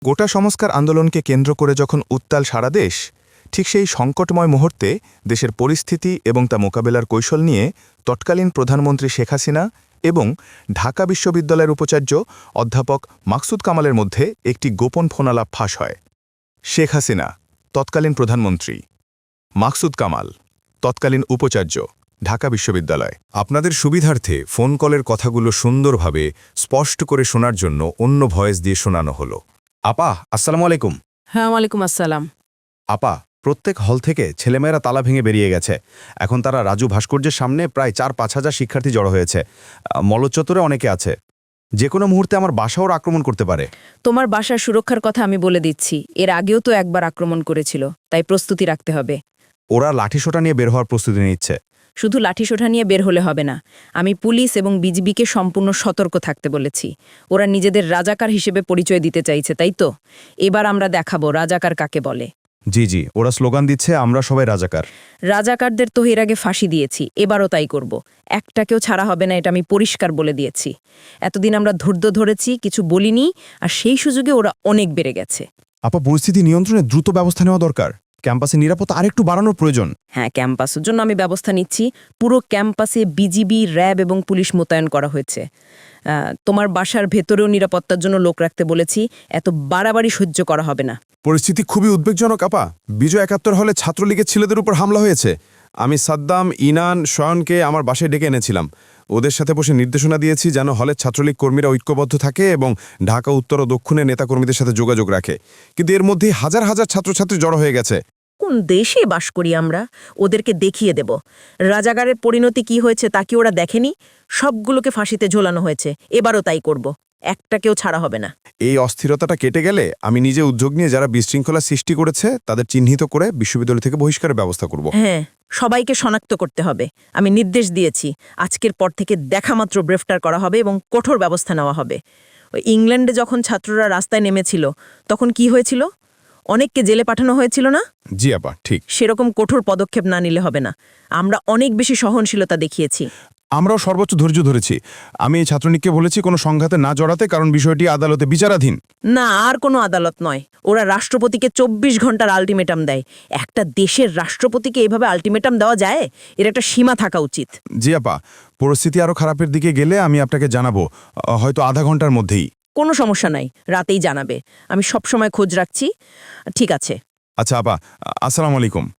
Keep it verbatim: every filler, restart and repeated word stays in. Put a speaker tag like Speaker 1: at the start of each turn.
Speaker 1: গোটা সংস্কার আন্দোলনকে কেন্দ্র করে যখন উত্তাল সারা দেশ, ঠিক সেই সংকটময় মুহূর্তে দেশের পরিস্থিতি এবং তা মোকাবেলার কৌশল নিয়ে তৎকালীন প্রধানমন্ত্রী শেখ হাসিনা এবং ঢাকা বিশ্ববিদ্যালয়ের উপাচার্য অধ্যাপক মাকসুদ কামালের মধ্যে একটি গোপন ফোনালাপ ফাঁস হয়। শেখ হাসিনা, তৎকালীন প্রধানমন্ত্রী; মাকসুদ কামাল, তৎকালীন উপাচার্য, ঢাকা বিশ্ববিদ্যালয়।
Speaker 2: আপনাদের সুবিধার্থে ফোন কলের কথাগুলো সুন্দরভাবে স্পষ্ট করে শোনার জন্য অন্য ভয়েস দিয়ে শোনানো হলো। আপা, আসসালামু আলাইকুম।
Speaker 3: হ্যাঁ, ওয়ালাইকুম আসসালাম।
Speaker 2: আপা, প্রত্যেক হল থেকে ছেলেমেয়েরা তালা ভেঙে বেরিয়ে গেছে। এখন তারা রাজু ভাস্কর্যের সামনে প্রায় চার পাঁচ হাজার শিক্ষার্থী জড়ো হয়েছে। মল্লচত্বরে অনেকে আছে। যে কোনো মুহূর্তে আমার বাসাও আক্রমণ করতে পারে।
Speaker 3: তোমার বাসার সুরক্ষার কথা আমি বলে দিচ্ছি। এর আগেও তো একবার আক্রমণ করেছিল, তাই প্রস্তুতি রাখতে হবে।
Speaker 2: ওরা লাঠিসোঁটা নিয়ে বের হওয়ার প্রস্তুতি নিচ্ছে।
Speaker 3: শুধু লাঠিসোঁটা নিয়ে বের হলে হবে না। আমি পুলিশ এবং বিজিবিকে সম্পূর্ণ সতর্ক থাকতে বলেছি। ওরা নিজেদের রাজাকার হিসেবে পরিচয় দিতে চাইছে, তাই তো? এবার আমরা দেখাবো রাজাকার কাকে বলে।
Speaker 2: জি জি, ওরা স্লোগান দিচ্ছে আমরা সবাই রাজাকার।
Speaker 3: রাজাকারদের তো এর আগে ফাঁসি দিয়েছি, এবারও তাই করব। একটাকেও ছাড়া হবে না, এটা আমি পরিষ্কার বলে দিয়েছি। এতদিন আমরা ধৈর্য ধরেছি, কিছু বলিনি, আর সেই সুযোগে ওরা অনেক বেড়ে গেছে।
Speaker 2: আপা, পরিস্থিতি নিয়ন্ত্রণে দ্রুত ব্যবস্থা নেওয়া দরকার। ক্যাম্পাসে নিরাপত্তা আরেকটু বাড়ানোর প্রয়োজন।
Speaker 3: হ্যাঁ, ক্যাম্পাসের জন্য আমি ব্যবস্থা নিচ্ছি। পুরো ক্যাম্পাসে বিজিবি, র্যাব এবং পুলিশ মোতায়েন করা হয়েছে। তোমার বাসার ভেতরেও নিরাপত্তার জন্য লোক রাখতে বলেছি। এত বাড়াবাড়ি সহ্য করা হবে না।
Speaker 4: পরিস্থিতি খুবই উদ্বেগজনক আপা। বিজয় একাত্তর হলে ছাত্রলীগের ছেলেদের উপর হামলা হয়েছে। আমি সাদ্দাম, ইনান, শয়নকে আমার বাসায় ডেকে এনেছিলাম। ওদের সাথে বসে নির্দেশনা দিয়েছি যেন হলের ছাত্রলীগ কর্মীরা ঐক্যবদ্ধ থাকে এবং ঢাকা উত্তর ও দক্ষিণের নেতাকর্মীদের সাথে যোগাযোগ রাখে। কিন্তু এর মধ্যেই হাজার হাজার ছাত্রছাত্রী জড়ো হয়ে গেছে।
Speaker 5: কোন দেশে বাস করি আমরা? ওদেরকে দেখিয়ে দেব রাজাগারের পরিণতি কি হয়েছে, তা কি ওরা দেখেনি? সবগুলোকে ফাঁসিতে ঝোলানো হয়েছে, এবারও তাই করব। একটাকেও ছাড়া হবে না।
Speaker 4: এই অস্থিরতাটা কেটে গেলে আমি নিজে উদ্যোগ নিয়ে যারা বিশৃঙ্খলা সৃষ্টি করেছে তাদের চিহ্নিত করে বিশ্ববিদ্যালয় থেকে বহিষ্কারের ব্যবস্থা করব।
Speaker 5: হ্যাঁ, সবাইকে শনাক্ত করতে হবে। আমি নির্দেশ দিয়েছি, আজকের পর থেকে দেখামাত্র গ্রেফতার করা হবে এবং কঠোর ব্যবস্থা নেওয়া হবে। ওই ইংল্যান্ডে যখন ছাত্ররা রাস্তায় নেমেছিল, তখন কি হয়েছিল? অনেককে জেলে পাঠানো হয়েছিল না?
Speaker 4: জি আপা, ঠিক।
Speaker 5: সেরকম কঠোর পদক্ষেপ না নিলে হবে না। আমরা অনেক বেশি সহনশীলতা দেখিয়েছি।
Speaker 4: আমরাও সর্বোচ্চ ধৈর্য ধরেছি। আমি এই ছাত্রলীগকে বলেছি কোনো সংঘাতে না জড়াতে, কারণ বিষয়টি আদালতে বিচারাধীন।
Speaker 5: না, আর কোনো আদালত নয়। ওরা রাষ্ট্রপতিকে চব্বিশ ঘন্টার আলটিমেটাম দেয়। একটা দেশের রাষ্ট্রপতিকে এভাবে আলটিমেটাম দেওয়া যায়? এর একটা সীমা থাকা উচিত।
Speaker 4: জি আপা, পরিস্থিতি আরও খারাপের দিকে গেলে আমি আপনাকে জানাবো, হয়তো আধা ঘন্টার মধ্যেই।
Speaker 5: কোনো সমস্যা নাই, রাতেই জানাবে। আমি সবসময় খোঁজ রাখছি। ঠিক আছে।
Speaker 4: আচ্ছা আপা, আসসালামু আলাইকুম।